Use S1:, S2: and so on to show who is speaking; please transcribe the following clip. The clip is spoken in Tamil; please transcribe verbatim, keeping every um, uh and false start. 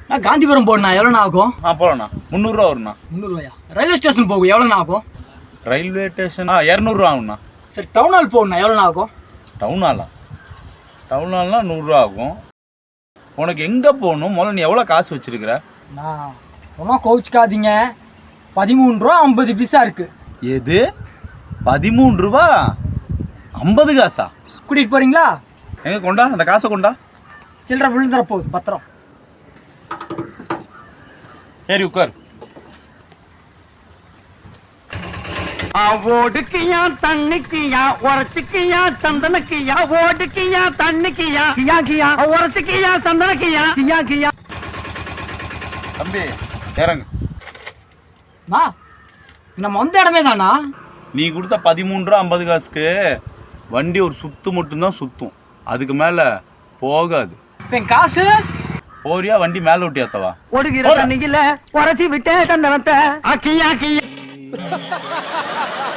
S1: நான் காந்திபுரம் போகணுண்ணா எவ்வளோண்ணா ஆகும்?
S2: ஆ போகலாண்ணா முந்நூறுரூவா வரும்ண்ணா.
S1: முந்நூறுவாயா? ரயில்வே ஸ்டேஷன் போகும் எவ்வளோண்ணா ஆகும்?
S2: ரயில்வே ஸ்டேஷன் ஆ இரநூறுவா ஆகும்ண்ணா.
S1: சரி டவுன் ஹால் போகணுண்ணா எவ்வளோண்ணா ஆகும்?
S2: டவுன் ஹாலா? டவுன் ஹால்னால் நூறுரூவா ஆகும். உனக்கு எங்கே போகணும்? முதல்ல நீ எவ்வளோ காசு வச்சுருக்கிற?
S1: நான் ஒன்றும் கோவிச்சுக்காதீங்க, பதிமூணு ரூபா ஐம்பது பைசா இருக்கு.
S2: எது பதிமூணு ரூபா ஐம்பது காசா?
S1: கூட்டிகிட்டு போகிறீங்களா?
S2: எங்கே கொண்டா அந்த காசை கொண்டா.
S1: சில்லற விழுந்துற போகுது பத்திரம்.
S2: ஏறி உட்கார்.
S3: ஓடுக்கியா தண்ணிக்கியா உரச்சுக்கியா சந்தனக்கியா ஓடுக்கியா தண்ணிக்கியா கியா கியா உரச்சுக்கியா சந்தனக்கியா கியா கியா.
S2: தம்பி இறங்கு.
S1: அண்ணா நம்ம வந்த இடமே தானா?
S2: நீ கொடுத்த பதிமூணு ரூபா ஐம்பது காசுக்கு வண்டி ஒரு சுத்து மட்டும்தான் சுத்தும், அதுக்கு மேலே போகாது.
S1: இப்போ என் காசு
S2: போறியா வண்டி மேலே விட்டி ஏத்தவா?
S3: ஓடுகிற தண்ணியில உரச்சி விட்டே சந்தனத்தை கியா கியா.